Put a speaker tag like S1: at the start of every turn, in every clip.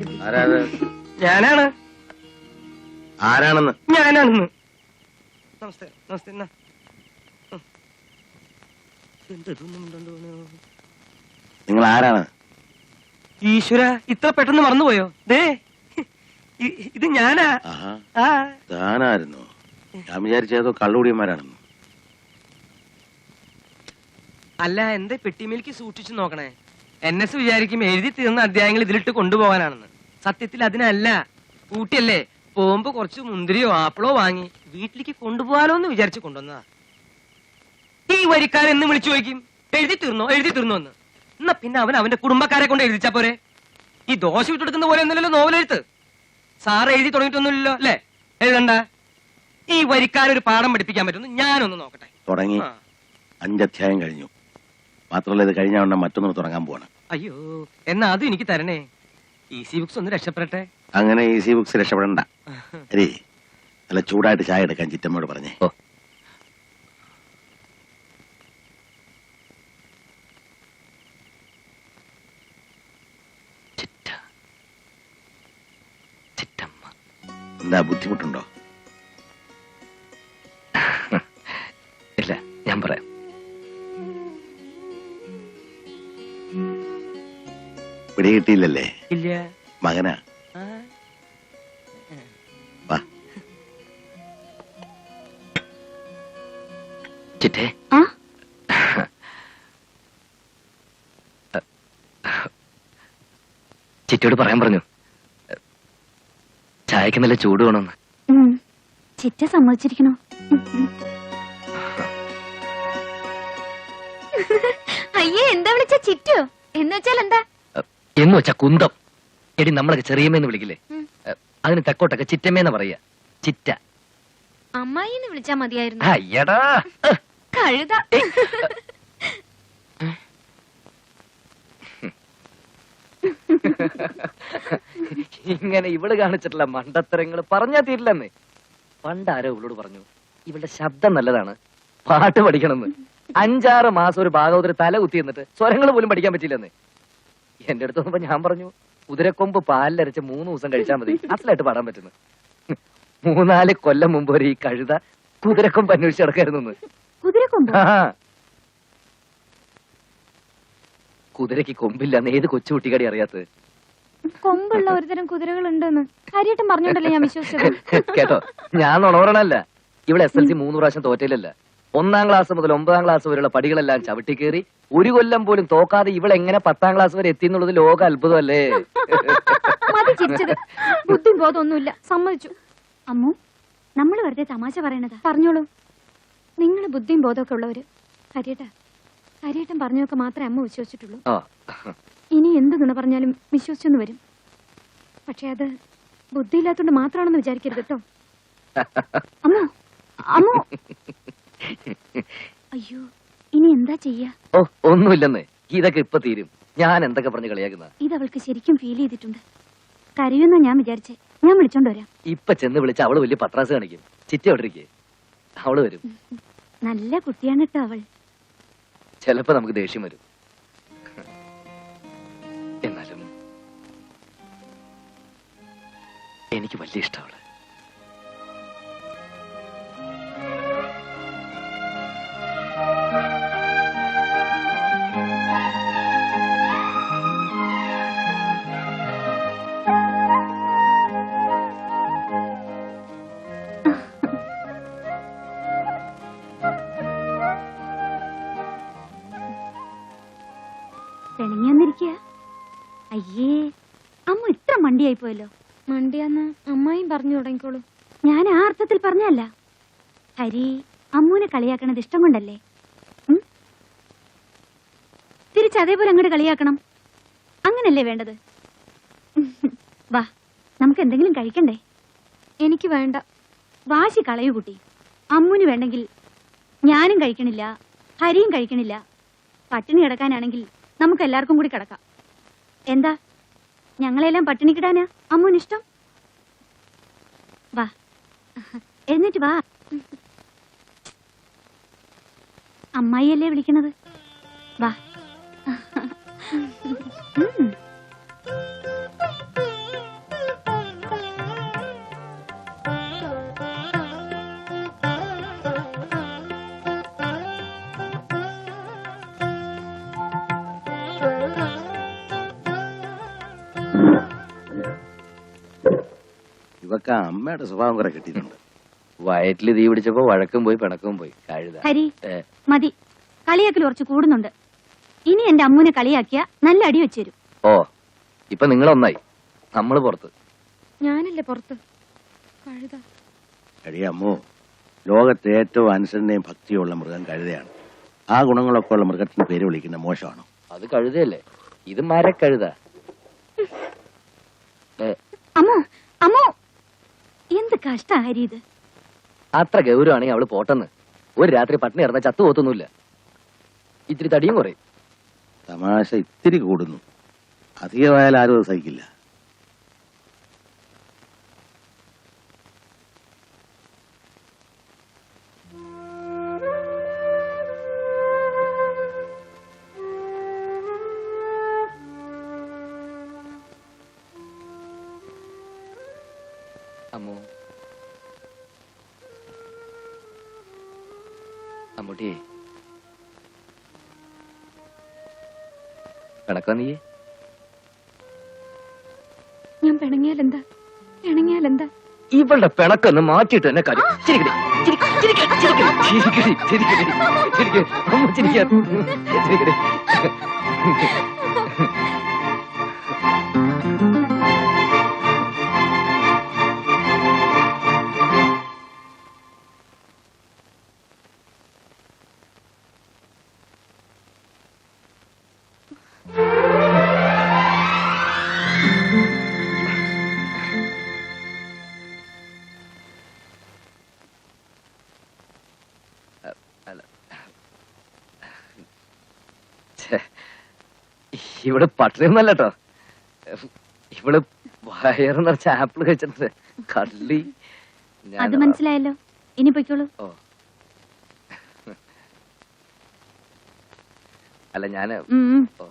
S1: ഞാനാണ്.
S2: ആരാണെന്ന്?
S1: ഞാനാണെന്ന്. നമസ്തേ നമസ്തേ.
S2: നിങ്ങൾ ആരാണ്?
S1: ഈശ്വര, ഇത്ര പെട്ടെന്ന് മറന്നുപോയോ? ദേ ഇത് ഞാനാ.
S2: താനായിരുന്നു. ഞാൻ വിചാരിച്ചതോ കള്ളുകൂടിയന്മാരാണെന്ന്.
S1: അല്ല, എന്റെ പെട്ടിമേലേക്ക് സൂക്ഷിച്ചു നോക്കണേ. NS വിചാരിക്കും എഴുതി തീർന്ന അധ്യായങ്ങൾ ഇതിലിട്ട് കൊണ്ടുപോകാനാണെന്ന്. സത്യത്തിൽ അതിനല്ല. ഊട്ടിയല്ലേ, പോകുമ്പോ കുറച്ച് മുന്തിരിയോ ആപ്പിളോ വാങ്ങി വീട്ടിലേക്ക് കൊണ്ടുപോകാലോ എന്ന് വിചാരിച്ചു കൊണ്ടുവന്നതാ. ഈ വരിക്കാരൻ എന്ന് വിളിച്ചു ചോദിക്കും, എഴുതി തീർന്നോ എന്ന്. എന്നാ പിന്നെ അവൻ അവന്റെ കുടുംബക്കാരെ കൊണ്ട് എഴുതിച്ചാ പോരെ. ഈ ദോശ വിട്ടെടുക്കുന്ന പോലെ ഒന്നുമില്ലല്ലോ നോവലെഴുത്ത്. സാറ് എഴുതി തുടങ്ങിയിട്ടൊന്നുമില്ലല്ലോ അല്ലേ? എഴുതണ്ട. ഈ വരിക്കാരൊരു പാഠം പഠിപ്പിക്കാൻ പറ്റുന്നു ഞാനൊന്ന് നോക്കട്ടെ.
S2: തുടങ്ങി 5 അധ്യായം കഴിഞ്ഞു. മാത്രമല്ല ഇത് കഴിഞ്ഞ ഉടനെ മറ്റൊന്ന് തുടങ്ങാൻ പോവാണ്.
S1: അയ്യോ, എന്നാ അതും എനിക്ക് തരണേ. ഈസി ബുക്സ് ഒന്ന് രക്ഷപ്പെടട്ടെ.
S2: അങ്ങനെ ഈസി ബുക്സ് രക്ഷപ്പെടണ്ട. അരേ, നല്ല ചൂടായിട്ട് ചായ എടുക്കാൻ ചിറ്റമ്മയോട് പറഞ്ഞേ. എന്താ ബുദ്ധിമുട്ടുണ്ടോ?
S3: ഇല്ല, ഞാൻ പറയാം.
S2: പിടികിട്ടിയില്ലല്ലേ?
S1: ഇല്ല.
S2: മകനാ. വാ.
S3: ചിറ്റേ, ചിറ്റയോട് പറയാൻ പറഞ്ഞു, ചായക്ക് നല്ല ചൂട് വേണമെന്ന്.
S4: ചിറ്റ സമ്മതിച്ചിരിക്കണോ? അയ്യേ, എന്താ വിളിച്ച ചിറ്റോ? എന്ന് വെച്ചാൽ എന്താ?
S3: എന്ന് വെച്ചാ കുന്തം. എടി, നമ്മളൊക്കെ ചെറിയമ്മേന്ന് വിളിക്കില്ലേ, അതിന് തെക്കോട്ടൊക്കെ ചിറ്റമ്മേന്ന് പറയാ. ചിറ്റ.
S4: അമ്മായിന്ന് വിളിച്ചാ മതിയായിരുന്നു.
S3: അയ്യടാ
S4: കഴുത.
S3: ഇങ്ങനെ ഇവള് കാണിച്ചിട്ടുള്ള മണ്ടത്തരങ്ങൾ പറഞ്ഞാ തീരില്ലെന്ന്. പണ്ടാരോ ഇവളോട് പറഞ്ഞു, ഇവളുടെ ശബ്ദം നല്ലതാണ്, പാട്ട് പഠിക്കണമെന്ന്. 5-6 മാസം ഒരു ഭാഗവതര് തല കുത്തി എന്നിട്ട് സ്വരങ്ങൾ പോലും പഠിക്കാൻ പറ്റില്ലെന്ന്. എന്റെ അടുത്ത് വന്നപ്പോ ഞാൻ പറഞ്ഞു, കുതിരക്കൊമ്പ് പാലിലരച്ച് 3 ദിവസം കഴിച്ചാൽ മതി, അസലായിട്ട് പാടാൻ പറ്റുന്നു. 3-4 കൊല്ലം മുമ്പ് വരെ ഈ കഴുത കുതിരക്കൊമ്പ് അന്വേഷിച്ച് നടക്കായിരുന്നു. കുതിരക്ക് കൊമ്പില്ലെന്ന് ഏത് കൊച്ചുകുട്ടിക്കടി അറിയാത്തത്?
S4: കൊമ്പുള്ള ഒരുതരം കുതിരകൾ ഉണ്ടെന്ന് കാര്യമായിട്ടും പറഞ്ഞോണ്ടല്ലേ ഞാൻ വിശ്വസിച്ചത്.
S3: കേട്ടോ, ഞാൻ നുണവറണല്ല. ഇവിടെ SLC 3 പ്രാവശ്യം തോറ്റയിലല്ല. 1-ാം ക്ലാസ് മുതൽ 9-ാം ക്ലാസ് വരെയുള്ള പടികളെല്ലാം ചവിട്ടി കയറി 1 കൊല്ലം പോലും തോക്കാതെ ഇവളെങ്ങനെ 10-ാം ക്ലാസ് വരെ എത്തി എന്നുള്ളത് ലോക അത്ഭുതമല്ലേ?
S4: മതി ചിരിച്ചത്. ബുദ്ധിയും ബോധമൊന്നുമില്ല, സമ്മതിച്ചു. അമ്മു, നമ്മൾ വെറുതെ തമാശ പറയണതാ. പറഞ്ഞോളൂ. നിങ്ങൾ ബുദ്ധിയും ബോധമൊക്കെ ഉള്ളവര്. കാര്യേട്ടൻ പറഞ്ഞൊക്കെ മാത്രമേ അമ്മ വിശ്വസിച്ചിട്ടുള്ളൂ. ഇനി എന്ത് നുണ പറഞ്ഞാലും വിശ്വസിച്ചെന്ന് വരും. പക്ഷെ അത് ബുദ്ധിയില്ലാത്തോണ്ട് മാത്രമാണെന്ന് വിചാരിക്കരുത് കേട്ടോ. അമ്മോ, അമ്മോ. അയ്യോ, ഇനി എന്താ ചെയ്യാ?
S3: ഒന്നുമില്ലെന്ന്. ഇതൊക്കെ ഇപ്പൊ തീരും. ഞാൻ എന്തൊക്കെ പറഞ്ഞ് കളിയാക്കുന്ന
S4: ഇത് അവൾക്ക് ശരിക്കും ഫീൽ ചെയ്തിട്ടുണ്ട്. കരയുന്ന ഞാൻ വിചാരിച്ചേ. ഞാൻ വിളിച്ചോണ്ട് വരാം.
S3: ഇപ്പൊ ചെന്ന് വിളിച്ച അവള് വലിയ പത്രാസ് കാണിക്കും. ചിറ്റ എവിടെയിരിക്കേ, അവള് വരും.
S4: നല്ല കുട്ടിയാണ് കേട്ടോ അവൾ.
S3: ചിലപ്പോ നമുക്ക് ദേഷ്യം വരും. എന്നാലും എനിക്ക് വലിയ ഇഷ്ടമാണ്.
S4: അയ്യേ, അമ്മ ഇത്ര മണ്ടിയായി പോയല്ലോ. മണ്ടിയാന്ന് അമ്മായും പറഞ്ഞു തുടങ്ങിക്കോളൂ. ഞാൻ ആ അർത്ഥത്തിൽ പറഞ്ഞല്ല. ഹരി അമ്മൂനെ കളിയാക്കണത് ഇഷ്ടം കൊണ്ടല്ലേ? തിരിച്ചതേപോലെ അങ്ങോട്ട് കളിയാക്കണം. അങ്ങനല്ലേ വേണ്ടത്? വാ, നമുക്ക് എന്തെങ്കിലും കഴിക്കണ്ടേ? എനിക്ക് വേണ്ട. വാശി കളയൂ കുട്ടി. അമ്മൂന് വേണ്ടെങ്കിൽ ഞാനും കഴിക്കണില്ല, ഹരിയും കഴിക്കണില്ല. പട്ടിണി കിടക്കാനാണെങ്കിൽ നമുക്ക് എല്ലാവർക്കും കൂടി കിടക്കാം. എന്താ, ഞങ്ങളെല്ലാം പട്ടിണി കിടാനാ അമ്മൂനിഷ്ടം? വാ, എഴുന്നേറ്റ് വാ. അമ്മായിയല്ലേ വിളിക്കണത്? വാ.
S2: ഇവക്ക് അമ്മയുടെ സ്വഭാവം കുറെ കിട്ടിയിട്ടുണ്ട്.
S3: വയറ്റിൽ തീ പിടിച്ചപ്പോ വഴക്കും പോയി പിണക്കും പോയി കഴുത.
S4: ഹരി
S3: ഏ,
S4: മതി, കളിയാക്കൽ കുറച്ച് കൂടുന്നുണ്ട്. ഇനി എന്റെ അമ്മൂനെ കളിയാക്കിയ നല്ല അടി വെച്ചുതരും.
S3: ഓ ഇപ്പൊ നിങ്ങളൊന്നായി, നമ്മള് പുറത്ത്.
S4: ഞാനല്ലേ പുറത്ത്. കഴുത.
S2: എടി അമ്മോ, ലോകത്തെ ഏറ്റവും അനുസരണയും ഭക്തിയുള്ള മൃഗം കഴുതയാണ്. ആ ഗുണങ്ങളൊക്കെ ഉള്ള മൃഗത്തിന് പേര് വിളിക്കുന്ന മോശമാണോ?
S3: അത് കഴുതയല്ലേ, ഇത് മരക്കഴുത.
S4: അമ്മോ അമ്മോ, എന്ത് കഷ്ട ഹരി ഇത്.
S3: അത്ര ഗൗരവാണെങ്കിൽ അവള് പോട്ടെന്ന്. ഒരു രാത്രി പട്ടിണി ഇറന്ന ചത്തു പോത്തൊന്നുമില്ല. ഇത്തിരി തടിയും കുറയും.
S2: തമാശ ഇത്തിരി കൂടുന്നു, അധികമായാൽ ആരും അത് സഹിക്കില്ല.
S3: അമ്മു, അമ്മൂട്ടി പിണക്കോ നീ?
S4: ഞാൻ പിണങ്ങിയാലെന്താ? പിണങ്ങിയാലെന്താ?
S3: ഇവളുടെ പിണക്കൊന്ന് മാറ്റിയിട്ട് എന്നെ കാര്യം. ചിരിക്കടി, ചിരിക്കടി, ചിരിക്കടി, ചിരിക്കടി, ചിരിക്കടി, ചിരിക്കടി, അമ്മു ചിരിക്കാൻ. ചിരിക്കടി. ഇവിടെ പട്ടിണിയൊന്നല്ല കേട്ടോ, ഇവള് വയറ് നിറച്ച ആപ്പിൾ കഴിച്ചിട്ടുണ്ട്. കള്ളി.
S4: അത് മനസ്സിലായല്ലോ, ഇനി പൊയ്ക്കോളൂ.
S3: ഓ അല്ല ഞാന് ഓ.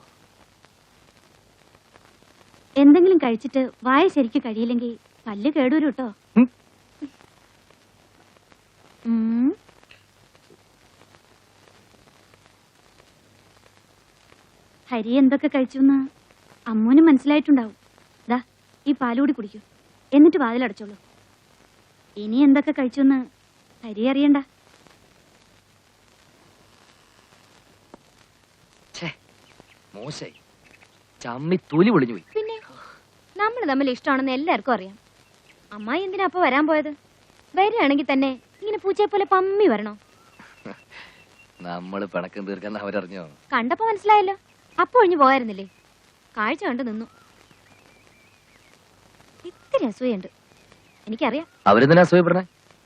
S4: എന്തെങ്കിലും കഴിച്ചിട്ട് വായ ശരിക്ക് കഴിയില്ലെങ്കിൽ പല്ല് കേടൂരും കേട്ടോ.
S3: ഉം.
S4: ഹരി എന്തൊക്കെ കഴിച്ചു അമ്മൂന് മനസ്സിലായിട്ടുണ്ടാവും. ദാ ഈ പാലുകൂടി കുടിക്കൂ, എന്നിട്ട് വാതിലടച്ചോളൂ. ഇനി എന്തൊക്കെ കഴിച്ചു ഹരി അറിയണ്ട.
S3: മോശായി, ചമ്മി തൊലി പൊളിഞ്ഞു പോയി.
S4: പിന്നെ നമ്മൾ തമ്മിൽ ഇഷ്ടമാണെന്ന് എല്ലാവർക്കും അറിയാം. അമ്മായി എന്തിനാ അപ്പൊ വരാൻ പോയത്? വരികയാണെങ്കിൽ തന്നെ ഇങ്ങനെ പൂച്ചയെ പോലെ പമ്മി വരണോ?
S3: നമ്മള് പിണക്കം തീർക്കാൻ അവരറിഞ്ഞോ?
S4: കണ്ടപ്പോ മനസ്സിലായല്ലോ, അപ്പൊ ഒഴിഞ്ഞു പോയായിരുന്നില്ലേ? കാഴ്ച കണ്ട് നിന്നു. ഇത്തിരി അസൂയുണ്ട്, എനിക്കറിയാം.
S3: അവരെന്തിനാ അസൂയപ്പെടണേ?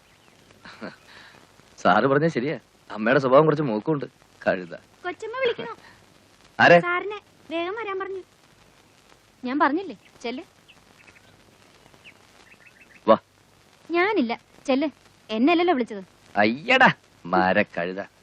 S3: സാറ് പറഞ്ഞ ശരിയാ, അമ്മയുടെ സ്വഭാവം കുറച്ച് മൂക്കുണ്ട്. കഴുത.
S4: കൊച്ചമ്മ വിളിക്കണോ?
S3: ആരെ?
S4: സാറിനെ വേഗം വരാൻ പറഞ്ഞു. ഞാൻ പറഞ്ഞില്ലേ, ചെല്ല്.
S3: വാ.
S4: ഞാനില്ല, ചെല്ല്. എന്നല്ലല്ലോ വിളിച്ചത്.
S3: അയ്യടാ മരക്കഴുത.